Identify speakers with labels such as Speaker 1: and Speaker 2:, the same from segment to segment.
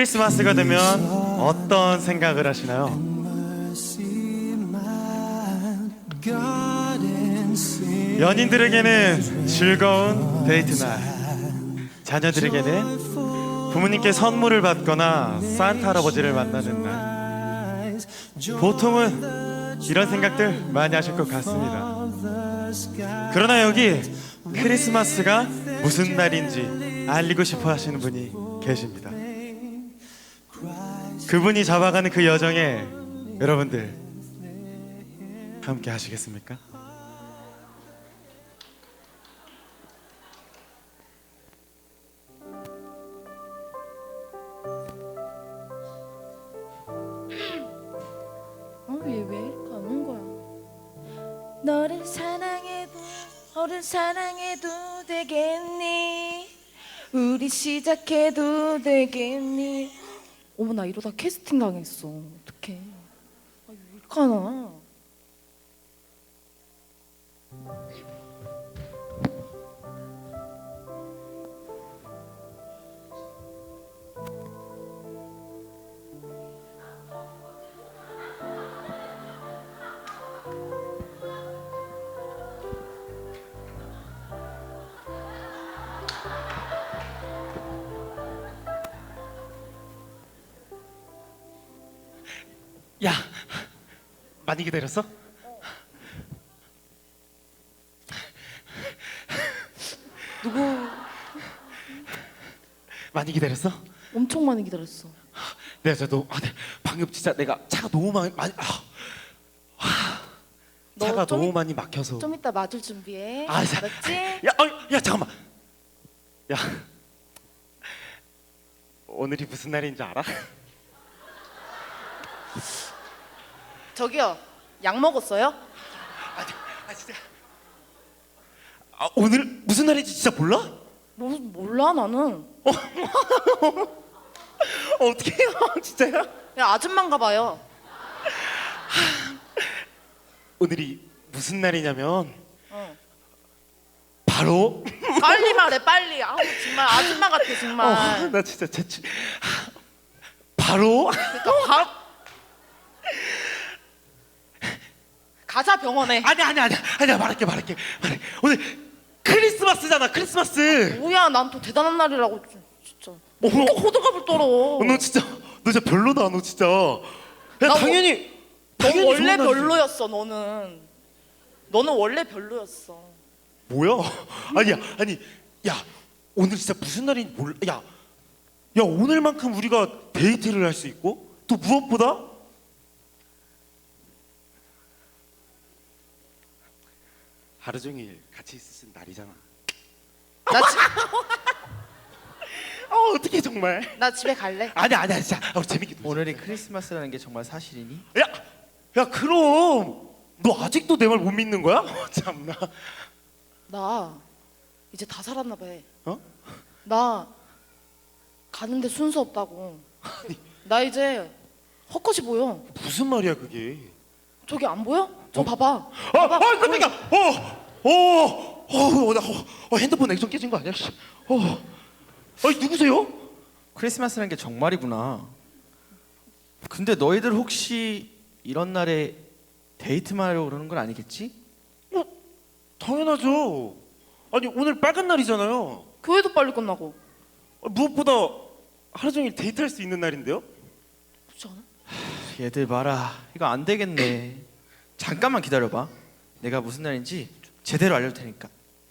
Speaker 1: 크리스마스가 되면 어떤 생각을 하시나요? 연인들에게는 즐거운 데이트 날, 자녀들에게는 부모님께 선물을 받거나 산타 할아버지를 만나는 날. 보통은 이런 생각들 많이 하실 것 같습니다. 그러나 여기 크리스마스가 무슨 날인지 알리고 싶어 하시는 분이 계십니다. 그분이 잡아가는 그 여정에 여러분들 함께 하시겠습니까?
Speaker 2: 얘 왜 이렇게 안 온 거야? 너를 사랑해도 너를 사랑해도 되겠니? 우리 시작해도 되겠니? 어머 나 이러다 캐스팅 당했어. 어떡해? 왜 이렇게 하나?
Speaker 1: 야, 많이 기다렸어?
Speaker 2: 누구?
Speaker 1: 많이 기다렸어?
Speaker 2: 엄청 많이 기다렸어.
Speaker 1: 내가 진짜 방금 진짜 내가 차가 너무 많이
Speaker 2: 너
Speaker 1: 차가
Speaker 2: 좀
Speaker 1: 너무 많이 막혀서.
Speaker 2: 좀 이따 맞을 준비해.
Speaker 1: 아, 자,
Speaker 2: 알았지?
Speaker 1: 야 잠깐만. 야, 오늘이 무슨 날인지 알아?
Speaker 2: 저기요, 약 먹었어요?
Speaker 1: 진짜. 오늘 무슨 날인지 진짜 몰라?
Speaker 2: 몰라 나는.
Speaker 1: 어떻게 해요, 진짜야?
Speaker 2: 그냥 아줌마인가 봐요.
Speaker 1: 오늘이 무슨 날이냐면
Speaker 2: 어.
Speaker 1: 바로.
Speaker 2: 빨리 말해 빨리. 아우 정말 아줌마 같아 정말.
Speaker 1: 나 진짜 재치. 바로.
Speaker 2: 그러니까 바로 가자 병원에.
Speaker 1: 아니야 말할게. 오늘 크리스마스잖아, 크리스마스.
Speaker 2: 뭐야 난 또 대단한 날이라고 진짜.
Speaker 1: 어머.
Speaker 2: 또 호들갑을 떨어.
Speaker 1: 너 진짜 별로다, 너 진짜. 야,
Speaker 2: 나
Speaker 1: 당연히
Speaker 2: 너 원래
Speaker 1: 좋은 날이지.
Speaker 2: 별로였어 너는 원래 별로였어.
Speaker 1: 뭐야? 야, 오늘 진짜 무슨 날인지 몰라. 야, 오늘만큼 우리가 데이트를 할 수 있고 또 무엇보다 하루 종일 같이 있을 날이잖아. 어떻게 정말?
Speaker 2: 나 집에 갈래.
Speaker 1: 아니야 진짜. 우리 재밌게 놀자.
Speaker 3: 오늘이 크리스마스라는 게 정말 사실이니?
Speaker 1: 야 그럼 너 아직도 내 말 못 믿는 거야? 참나.
Speaker 2: 나 이제 다 살았나 봐.
Speaker 1: 어?
Speaker 2: 나 가는데 순서 없다고. 나 이제 헛것이 보여.
Speaker 1: 무슨 말이야 그게?
Speaker 2: 저기 안 보여? 좀 봐봐.
Speaker 1: 깜짝이야. 핸드폰 액정 깨진 거 아니야? 씨. 누구세요?
Speaker 3: 크리스마스라는 게 정말이구나. 근데 너희들 혹시 이런 날에 데이트만 하려고 그러는 건 아니겠지?
Speaker 1: 당연하죠. 아니 오늘 빨간 날이잖아요.
Speaker 2: 교회도 빨리 끝나고.
Speaker 1: 무엇보다 하루 종일 데이트할 수 있는 날인데요?
Speaker 2: 그렇지 않아?
Speaker 3: 얘들 봐라, 이거 안 되겠네. 잠깐만 기다려봐. 내가 무슨 날인지 제대로 알려줄 테니까.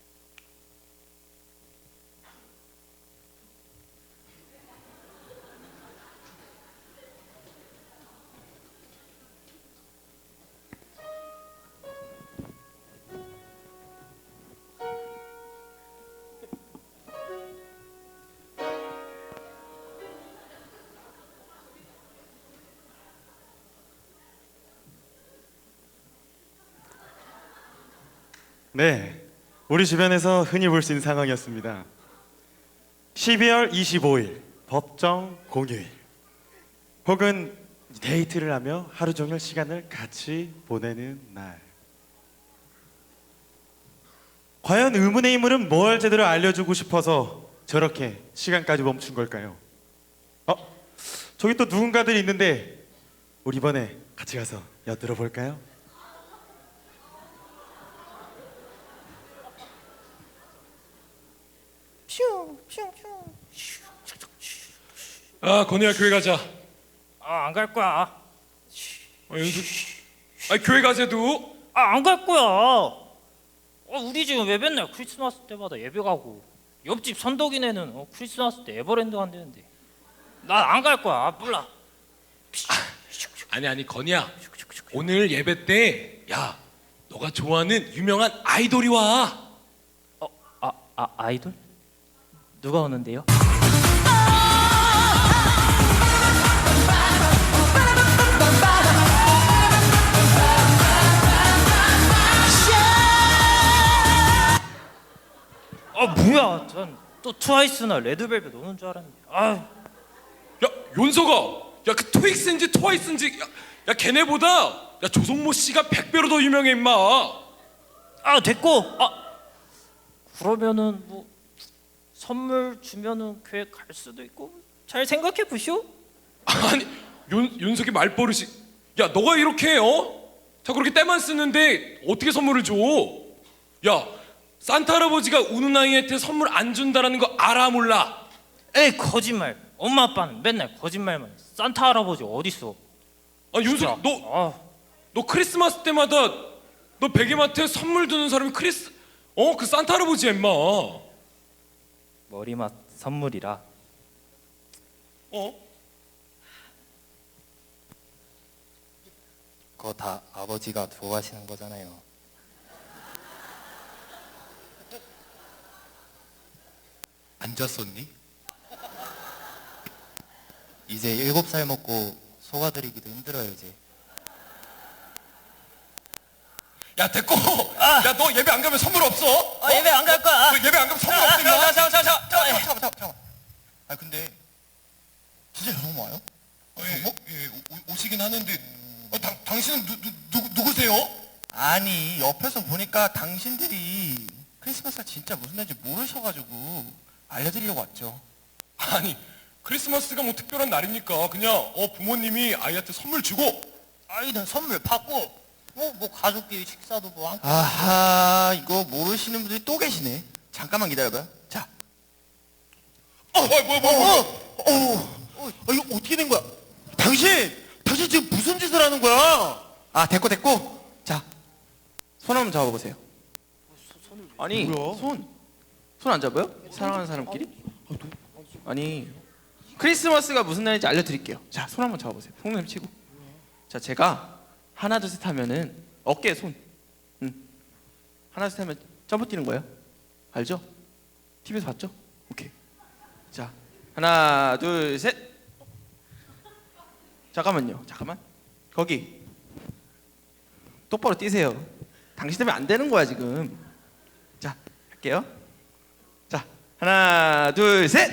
Speaker 1: 네, 우리 주변에서 흔히 볼 수 있는 상황이었습니다. 12월 25일 법정 공휴일, 혹은 데이트를 하며 하루 종일 시간을 같이 보내는 날. 과연 의문의 인물은 뭘 제대로 알려주고 싶어서 저렇게 시간까지 멈춘 걸까요? 저기 또 누군가들이 있는데 우리 이번에 같이 가서 엿들어 볼까요?
Speaker 4: 아 건우야 교회 가자.
Speaker 5: 아, 안 갈 거야.
Speaker 4: 연수. 아 교회 가세도.
Speaker 5: 아, 안 갈 거야. 우리 집은 왜 맨날 크리스마스 때마다 예배 가고 옆집 선덕이네는 크리스마스 때 에버랜드 간대는데 난 안 갈 거야. 아, 몰라.
Speaker 4: 아니 건우야. 오늘 예배 때 야 너가 좋아하는 유명한 아이돌이 와.
Speaker 5: 아이돌? 누가 오는데요? 아, 뭐야? 전 또 트와이스나 레드벨벳 오는 줄 알았는데. 아,
Speaker 4: 야 윤서가 야 그 트윅스인지 트와이스인지 야 걔네보다 야 조성모 씨가 100배로 더 유명해 임마.
Speaker 5: 됐고. 그러면은 뭐 선물 주면은 교회 갈 수도 있고 잘 생각해 보시오.
Speaker 4: 아니 윤석이 말버릇이. 야 너가 이렇게 자 그렇게 때만 쓰는데 어떻게 선물을 줘? 야 산타 할아버지가 우는 아이한테 선물 안 준다라는 거 알아 몰라?
Speaker 5: 에이, 거짓말. 엄마 아빠는 맨날 거짓말만 해. 산타 할아버지 어딨어?
Speaker 4: 아 윤석 너 크리스마스 때마다 너 베개마트에 선물 두는 사람이 그 산타 할아버지야 임마.
Speaker 5: 머리맡 선물이라.
Speaker 6: 그거 다 아버지가 좋아하시는 거잖아요. 안 잤었니? 이제 7살 먹고 속아드리기도 힘들어요 이제.
Speaker 4: 야 됐고. 야 너 예배 안 가면 선물 없어.
Speaker 5: 예배 안 갈 거야.
Speaker 4: 너 예배 안 가면 선물 없어 임마.
Speaker 6: 잠깐만. 아 근데 진짜 여성 와요?
Speaker 4: 오시긴 하는데 당신은 누구세요?
Speaker 6: 아니 옆에서 보니까 당신들이 크리스마스가 진짜 무슨 날인지 모르셔가지고 알려드리려고 왔죠.
Speaker 4: 아니 크리스마스가 뭐 특별한 날입니까? 그냥 부모님이 아이한테 선물 주고.
Speaker 6: 아이는 선물 받고 뭐 가족끼리 식사도 뭐 함께. 아하 이거 모르시는 분들이 또 계시네. 잠깐만 기다려봐요. 자.
Speaker 1: 이거 어떻게 된 거야? 당신 지금 무슨 짓을 하는 거야?
Speaker 6: 아 됐고. 자, 손 한번 잡아보세요.
Speaker 3: 아니
Speaker 1: 뭐야?
Speaker 3: 손 안 잡아요? 사랑하는 사람끼리? 아니 크리스마스가 무슨 날인지 알려드릴게요. 자, 손 한번 잡아보세요. 손을 치고. 자, 제가 하나 둘 셋 하면은 어깨에 손. 하나 둘 셋 하면 점프 뛰는 거예요. 알죠? TV에서 봤죠? 오케이. 자, 하나 둘 셋. 잠깐만요. 거기 똑바로 뛰세요. 당신 때문에 안 되는 거야 지금. 자, 할게요. 자, 하나 둘 셋.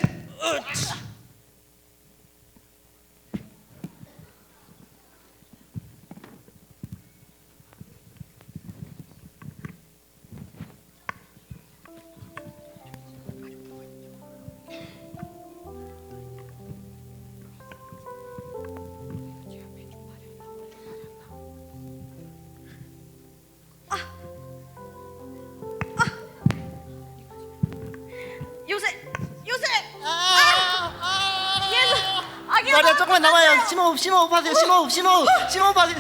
Speaker 2: 요새 아기
Speaker 7: 마리아 조금만 남아요. 심호흡 하세요. 심호흡 하세요.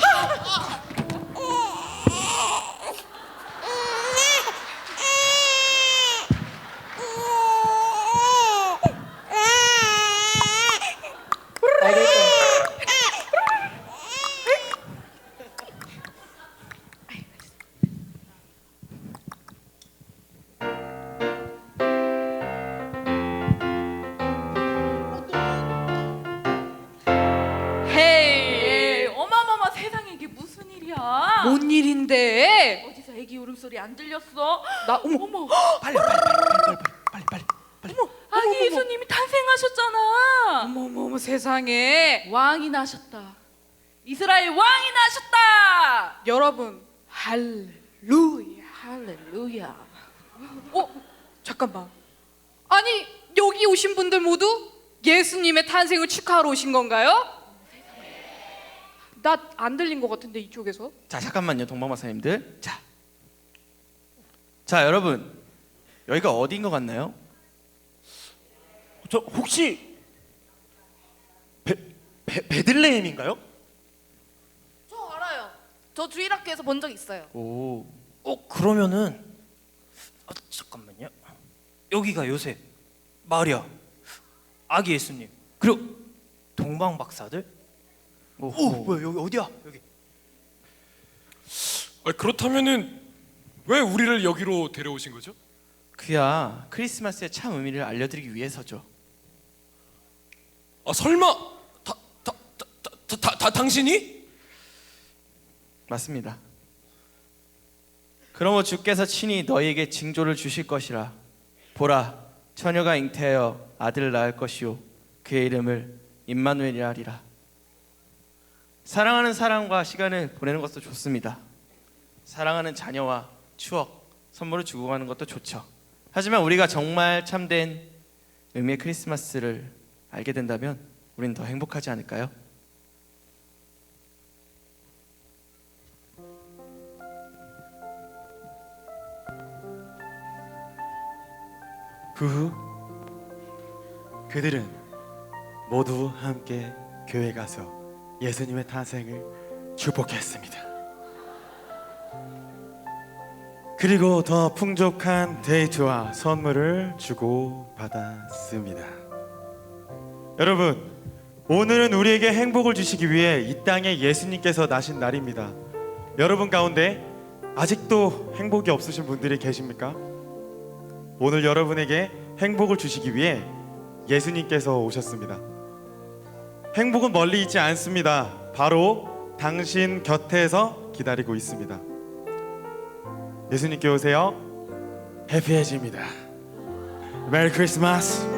Speaker 2: 헤이 어마마마 세상에 이게 무슨 일이야?
Speaker 8: 뭔 일인데?
Speaker 2: 어디서 애기 울음소리 안 들렸어?
Speaker 8: 나 어머
Speaker 3: 빨리.
Speaker 2: 아기 예수님이 탄생하셨잖아.
Speaker 8: 어머 세상에.
Speaker 2: 왕이 나셨다. 이스라엘 왕이 나셨다.
Speaker 8: 여러분 할렐루야.
Speaker 2: 할렐루야.
Speaker 8: 잠깐만. 아니 여기 오신 분들 모두 예수님의 탄생을 축하하러 오신 건가요? 나 안 들린 것 같은데 이쪽에서.
Speaker 3: 자 잠깐만요, 동방박사님들. 자 여러분, 여기가 어디인 것 같나요?
Speaker 1: 저 혹시 베들레헴인가요?
Speaker 2: 저 알아요. 저 주일학교에서 본 적 있어요.
Speaker 3: 오,
Speaker 5: 그러면은 잠깐만요. 여기가 요셉, 마리아, 아기 예수님, 그리고 동방 박사들. 뭐야 여기 어디야? 여기.
Speaker 4: 그렇다면은 왜 우리를 여기로 데려오신 거죠?
Speaker 3: 그야 크리스마스의 참 의미를 알려드리기 위해서죠.
Speaker 4: 설마 당신이?
Speaker 3: 맞습니다. 그러므로 주께서 친히 너희에게 징조를 주실 것이라. 보라, 처녀가 잉태하여 아들을 낳을 것이요 그의 이름을 임마누엘이라 하리라. 사랑하는 사람과 시간을 보내는 것도 좋습니다. 사랑하는 자녀와 추억, 선물을 주고 가는 것도 좋죠. 하지만 우리가 정말 참된 의미의 크리스마스를 알게 된다면 우리는 더 행복하지 않을까요?
Speaker 1: 그 후 그들은 모두 함께 교회 가서 예수님의 탄생을 축복했습니다. 그리고 더 풍족한 데이트와 선물을 주고 받았습니다. 여러분, 오늘은 우리에게 행복을 주시기 위해 이 땅에 예수님께서 나신 날입니다. 여러분 가운데 아직도 행복이 없으신 분들이 계십니까? 오늘 여러분에게 행복을 주시기 위해 예수님께서 오셨습니다. 행복은 멀리 있지 않습니다. 바로 당신 곁에서 기다리고 있습니다. 예수님께 오세요. 해피해집니다. 메리 크리스마스.